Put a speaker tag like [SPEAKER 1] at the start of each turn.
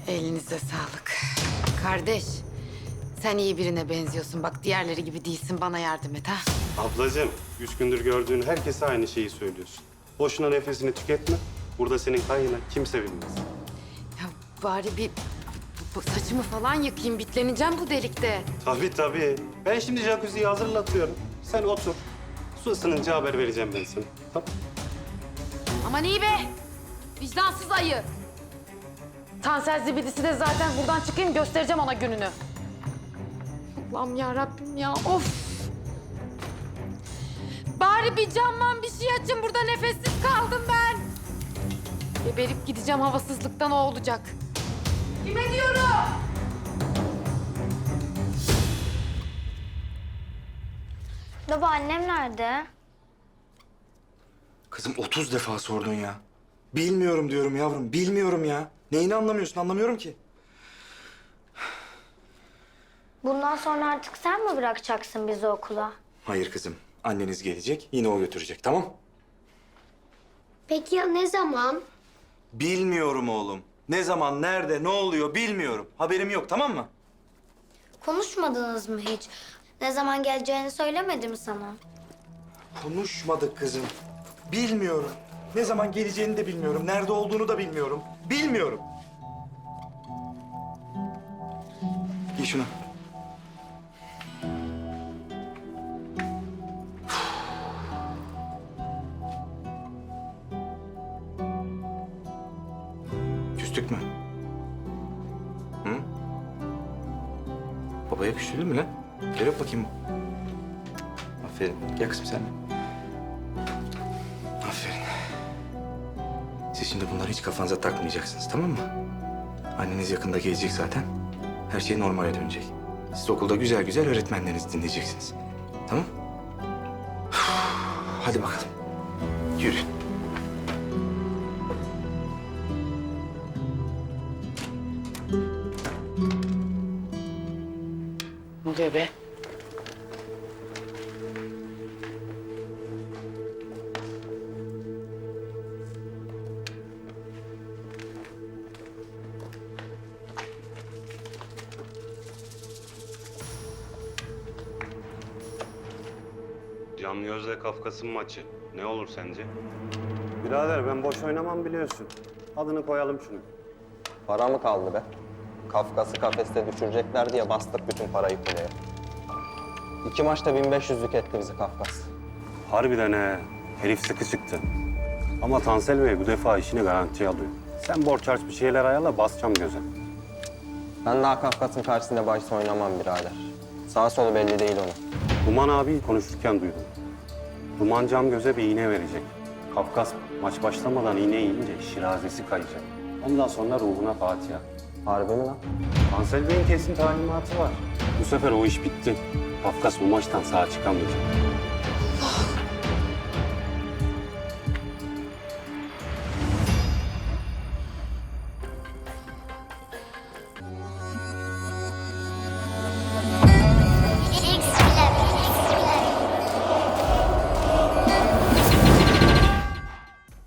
[SPEAKER 1] Elinize sağlık. Kardeş, sen iyi birine benziyorsun. Bak diğerleri gibi değilsin. Bana yardım et ha.
[SPEAKER 2] Ablacığım, 3 gündür gördüğün herkese aynı şeyi söylüyorsun. Boşuna nefesini tüketme. Burada senin kaynına kimse bilmez.
[SPEAKER 1] Ya bari bir bu saçımı falan yıkayayım. Bitleneceğim bu delikte.
[SPEAKER 2] Tabii. Ben şimdi jacuzziyi hazırlatıyorum. Sen otur. Su ısınınca haber vereceğim ben sana. Tamam.
[SPEAKER 1] Aman iyi be! Vicdansız ayı. Tansel zibidisi de zaten buradan çıkayım göstereceğim ona gününü. Allah'ım ya Rabbim ya of! Bari bir camdan bir şey açın, burada nefessiz kaldım ben. Geberip gideceğim havasızlıktan, o olacak. Kime diyorum?
[SPEAKER 3] Baba annem nerede?
[SPEAKER 4] Kızım 30 defa sordun ya. Bilmiyorum diyorum yavrum, bilmiyorum ya. Neyini anlamıyorsun, anlamıyorum ki.
[SPEAKER 3] Bundan sonra artık sen mi bırakacaksın bizi okula?
[SPEAKER 4] Hayır kızım, anneniz gelecek, yine o götürecek, tamam?
[SPEAKER 3] Peki ya ne zaman?
[SPEAKER 4] Bilmiyorum oğlum. Ne zaman, nerede, ne oluyor bilmiyorum. Haberim yok, tamam mı?
[SPEAKER 3] Konuşmadınız mı hiç? Ne zaman geleceğini söylemedi mi sana?
[SPEAKER 4] Konuşmadık kızım. Bilmiyorum. Ne zaman geleceğini de bilmiyorum, nerede olduğunu da bilmiyorum. Bilmiyorum. Giy şunu. Küstük mü? Hı? Babaya küstürdün mü lan? Gel öp bakayım. Aferin. Gel kızım sen. Aferin. Siz şimdi bunları hiç kafanıza takmayacaksınız, tamam mı? Anneniz yakında gelecek zaten. Her şey normale dönecek. Siz okulda güzel güzel öğretmenlerinizi dinleyeceksiniz. Tamam? Hadi bakalım. Yürü.
[SPEAKER 1] Ne oluyor be?
[SPEAKER 2] Can Gözle Kafkas'ın maçı. Ne olur sence? Birader ben boş oynamam biliyorsun. Adını koyalım şunu.
[SPEAKER 5] Para mı kaldı be? Kafkas'ı kafeste düşürecekler diye bastık bütün parayı kuleye. 2 maçta 1500'lük etti bizi Kafkas.
[SPEAKER 2] Harbiden he. Herif sıkı çıktı. Ama Tansel Bey bu defa işini garantiye alıyor. Sen borç harç bir şeyler ayarla, basacağım göze.
[SPEAKER 5] Ben daha Kafkas'ın karşısında bahis oynamam birader. Sağ solu belli değil onun.
[SPEAKER 2] Duman abi konuşurken duydum. Duman cam göze bir iğne verecek. Kafkas maç başlamadan iğne yiyince şirazesi kayacak. Ondan sonra ruhuna Fatiha.
[SPEAKER 5] Harbi mi lan?
[SPEAKER 2] Tansel Bey'in kesin talimatı var. Bu sefer o iş bitti. Kafkas bu maçtan sağ çıkamayacak.